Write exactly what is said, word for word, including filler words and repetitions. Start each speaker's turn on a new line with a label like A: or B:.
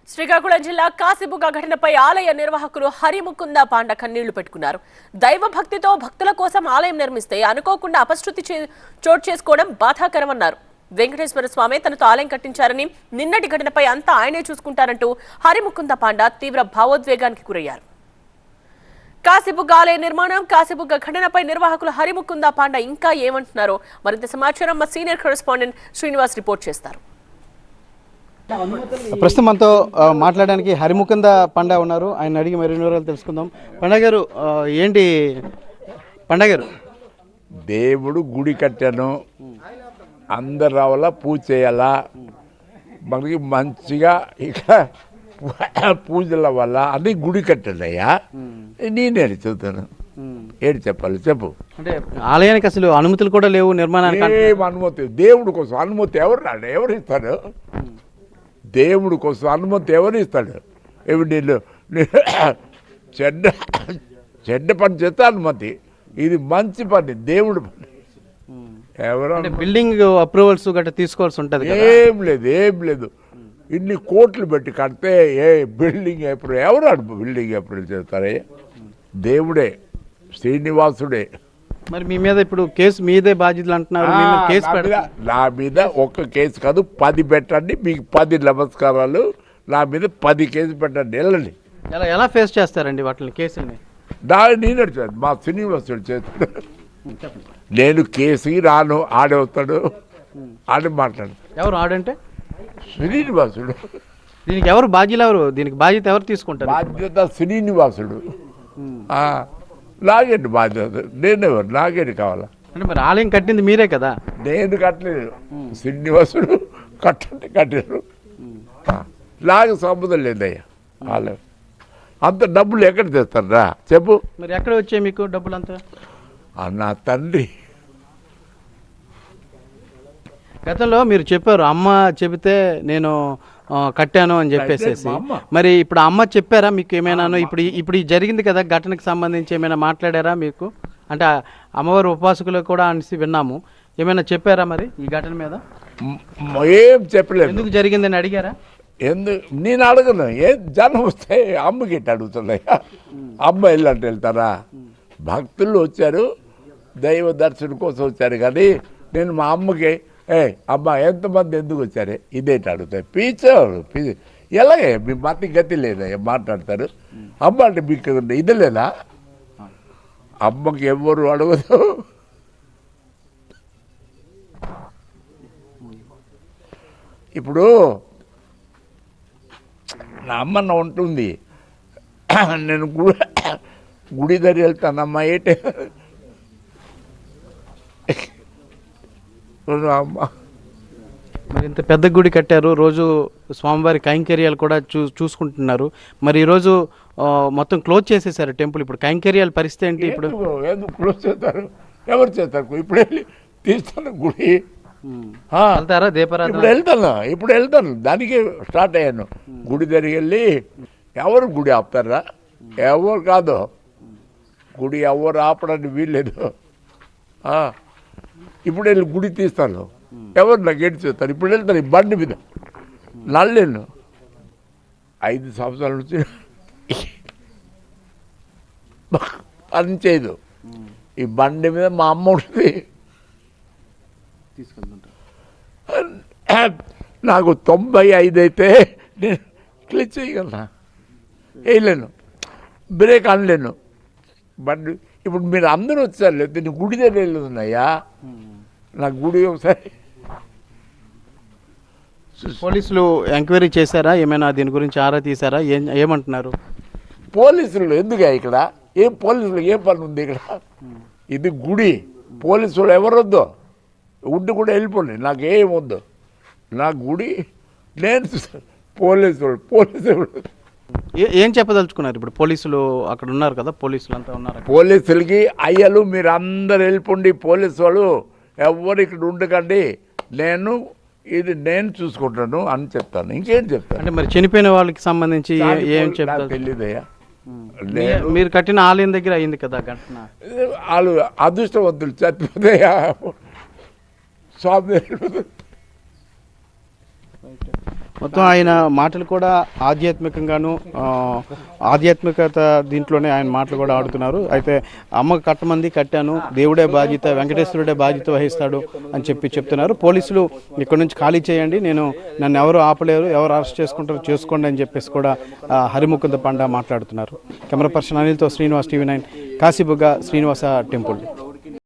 A: శ్రీకాకుళం జిల్లా కాశీబుగ్గ ఘటనపై ఆలయ నిర్వాహకులు హరిముకుంద పాండ కన్నీళ్లు పెట్టుకున్నారు. దైవ భక్తితో భక్తుల కోసం ఆలయం నిర్మిస్తే అనుకోకుండా అపశృతి చోటు చేసుకోవడం బాధాకరమన్నారు. వెంకటేశ్వర స్వామి తనతో ఆలయం కట్టించారని, నిన్నటి ఘటనపై అంతా ఆయనే చూసుకుంటారంటూ హరిముకుంద పాండ తీవ్ర భావోద్వేగానికి గురయ్యారు. కాశీబుగ్గ ఆలయ నిర్మాణం, కాశీబుగ్గ ఘటనపై నిర్వాహకులు హరిముకుంద పాండ ఇంకా ఏమంటున్నారో మరింత సమాచారం మా సీనియర్ కరెస్పాండెంట్ శ్రీనివాస్ రిపోర్ట్ చేస్తారు.
B: ప్రస్తుతం మనతో మాట్లాడడానికి హరిముకుంద పండ ఉన్నారు. ఆయన అడిగి మరిన్ని వివరాలు తెలుసుకుందాం. పండగ గారు, ఏంటి పండగ గారు?
C: దేవుడు గుడి కట్టాను, అందరు రావాలా, పూజ చేయాలా, మనకి మంచిగా ఇక్కడ పూజల వల్ల అది గుడి కట్టాడయ్యా. నేను ఏడు చెబుతాను, ఏడు చెప్పాలి చెప్పు.
B: అంటే ఆలయానికి అసలు అనుమతులు కూడా లేవు, నిర్మాణానికి
C: ఏం అనుమతి? దేవుడి కోసం అనుమతి ఎవరు రాడు, ఎవరు ఇస్తాడు? దేవుడి కోసం అనుమతి ఎవరు ఇస్తాడు? ఏమి నేను చెడ్డ చెడ్డ పని చేస్తే అనుమతి, ఇది మంచి పని, దేవుడి పని. ఎవరు
B: బిల్డింగ్ అప్రూవల్స్ గట్రా తీసుకోవాల్సి ఉంటుంది?
C: ఏం లేదు, ఏం లేదు. ఇన్ని కోట్లు పెట్టి కడితే ఏ బిల్డింగ్ అప్రూవల్ ఎవరు బిల్డింగ్ అప్రూవల్ చేస్తారే? దేవుడే, శ్రీనివాసుడే.
B: మరి మీ మీద ఇప్పుడు కేసు మీదే బాధ్యతలు అంటున్నారు. కేసు
C: నా మీద ఒక్క కేసు కాదు, పది పెట్టండి, మీకు పది నమస్కారాలు. నా మీద పది కేసు పెట్టండి, వెళ్ళండి.
B: ఎలా ఎలా ఫేస్ చేస్తారండి వాటిని, కేసుని?
C: నా నేను మా శ్రీనివాసుడు చేస్తాడు. నేను కేసుకి రాను, ఆడవుతాడు, ఆడి మాట్లాడు.
B: ఎవరు ఆడంటే?
C: శ్రీనివాసుడు.
B: దీనికి ఎవరు బాధ్యులు? ఎవరు దీనికి బాధ్యత ఎవరు తీసుకుంటారు?
C: బాధ్యత శ్రీనివాసుడు. నాగేంటి బాధ్యత? నేనెవరు? నాగేంటి కావాలా?
B: అంటే మరి ఆలయం కట్టింది మీరే కదా?
C: నేను కట్టలేదు, శ్రీనివాసుడు కట్టండి కట్టారు. నాకు సంబంధం లేదయ్యా. ఆలయం అంత డబ్బులు ఎక్కడ తెస్తారా చెప్పు?
B: మరి ఎక్కడ వచ్చాయి మీకు డబ్బులు అంతా?
C: నా తండ్రి
B: గతంలో మీరు చెప్పారు, అమ్మ చెబితే నేను కట్టాను అని చెప్పేసి. మరి ఇప్పుడు అమ్మ చెప్పారా మీకు ఏమైనా? ఇప్పుడు ఇప్పుడు జరిగింది కదా ఘటనకు సంబంధించి ఏమైనా మాట్లాడారా మీకు? అంటే అమ్మవారి ఉపాసకులు కూడా అనేసి విన్నాము, ఏమైనా చెప్పారా మరి ఈ ఘటన మీద?
C: ఏం చెప్పలేదు.
B: ఎందుకు జరిగిందని అడిగారా?
C: ఎందుకు నేను అడగను. ఏ జనం వస్తే అమ్మకి ఎట్టి అడుగుతున్నాయా? అమ్మ వెళ్ళంటే వెళ్తారా? భక్తులు వచ్చారు, దైవ దర్శనం కోసం వచ్చారు. కానీ నేను మా అమ్మకి ఏ అమ్మ ఎంతమంది ఎందుకు వచ్చారే ఇదేంటి అడుగుతాయి. పీచారు పీ ఎలాగే మీ మతి గతి లేదా మాట్లాడతారు. అమ్మ అంటే మీకు ఇది లేదా? అమ్మకి ఎవరు అడగదు. ఇప్పుడు నా అమ్మన్న ఉంటుంది, నేను గుడి గుడి దగ్గర వెళ్తానమ్మా ఏంటి అమ్మ.
B: మరి ఇంత పెద్ద గుడి కట్టారు, రోజు స్వామివారి కైంకర్యాలు కూడా చూ చూసుకుంటున్నారు. మరి ఈరోజు మొత్తం క్లోజ్ చేసేసారు టెంపుల్. ఇప్పుడు కైంకర్యాల పరిస్థితి ఏంటి? ఇప్పుడు
C: ఎందుకు క్లోజ్ చేస్తారు? ఎవరు చేస్తారు? ఇప్పుడు వెళ్ళి తీస్తాను గుడి
B: వెళ్తారా? దీపారాధన
C: ఇప్పుడు వెళ్తాను, ఇప్పుడు వెళ్తాను, దానికి స్టార్ట్ అయ్యాను. గుడి దగ్గరికి వెళ్ళి ఎవరు గుడి ఆపుతారా? ఎవరు కాదు, గుడి ఎవరు ఆపడానికి వీల్లేదు. ఇప్పుడు వెళ్ళి గుడి తీస్తాను, ఎవరు నాకు ఏడు చేస్తారు? ఇప్పుడు వెళ్తాను ఈ బండి మీద, నల్లేను ఐదు సంవత్సరాల నుంచి పని చేయదు. ఈ బండి మీద మా అమ్మ ఉంటుంది, నాకు తొంభై ఐదు అయితే నేను క్లిచ్ చేయగలనా? వేయలేను, బ్రేక్ అనలేను. బండి ఇప్పుడు మీరు అందరూ వచ్చారు, లేదు నేను గుడి దగ్గర వెళ్ళుతున్నాయా? నాకు గుడి ఒకసారి
B: పోలీసులు ఎంక్వైరీ చేశారా? ఏమైనా దీని గురించి ఆరా తీశారా? ఏం ఏమంటున్నారు
C: పోలీసులు? ఎందుకు ఇక్కడ ఏం పోలీసులు ఏం పని ఉంది ఇక్కడ? ఇది గుడి, పోలీసులు ఎవరొద్దు, ఉండి కూడా వెళ్ళిపోండి, నాకు ఏం వద్దు. నా గుడి నేను పోలీసులు పోలీసులు
B: ఏం చెప్పదలుచుకున్నారు? ఇప్పుడు పోలీసులు అక్కడ ఉన్నారు కదా, పోలీసులు అంతా ఉన్నారు.
C: పోలీసులకి అయ్యలు మీరు అందరు వెళ్ళిపోండి, పోలీసు వాళ్ళు ఎవరు ఇక్కడ ఉండకండి, నేను ఇది నేను చూసుకుంటాను అని చెప్తాను. ఇంకేం చెప్తాను?
B: అంటే మరి చనిపోయిన వాళ్ళకి సంబంధించి ఏం చెప్తారు?
C: తెలియదయ్యా.
B: మీరు కట్టిన ఆలయం దగ్గర అయింది కదా ఘటన.
C: వాళ్ళు అదృష్టవంతులు, చచ్చిపోతాయా స్వామి.
B: మొత్తం ఆయన మాటలు కూడా ఆధ్యాత్మికంగాను ఆ, ఆధ్యాత్మికత దీంట్లోనే ఆయన మాటలు కూడా ఆడుతున్నారు. అయితే అమ్మ కట్టమంది కట్టాను, దేవుడే బాధ్యత, వెంకటేశ్వరుడే బాధ్యత వహిస్తాడు అని చెప్పి చెప్తున్నారు. పోలీసులు ఇక్కడ నుంచి ఖాళీ చేయండి, నేను నన్ను ఎవరు ఆపలేరు, ఎవరు అరెస్ట్ చేసుకుంటారో చేసుకోండి అని చెప్పేసి కూడా ఆ, హరిముకుంద పండ మాట్లాడుతున్నారు. కెమెరా పర్సన్ అనిల్తో Srinivas, TV nine, Kasibugga Srinivasa temple.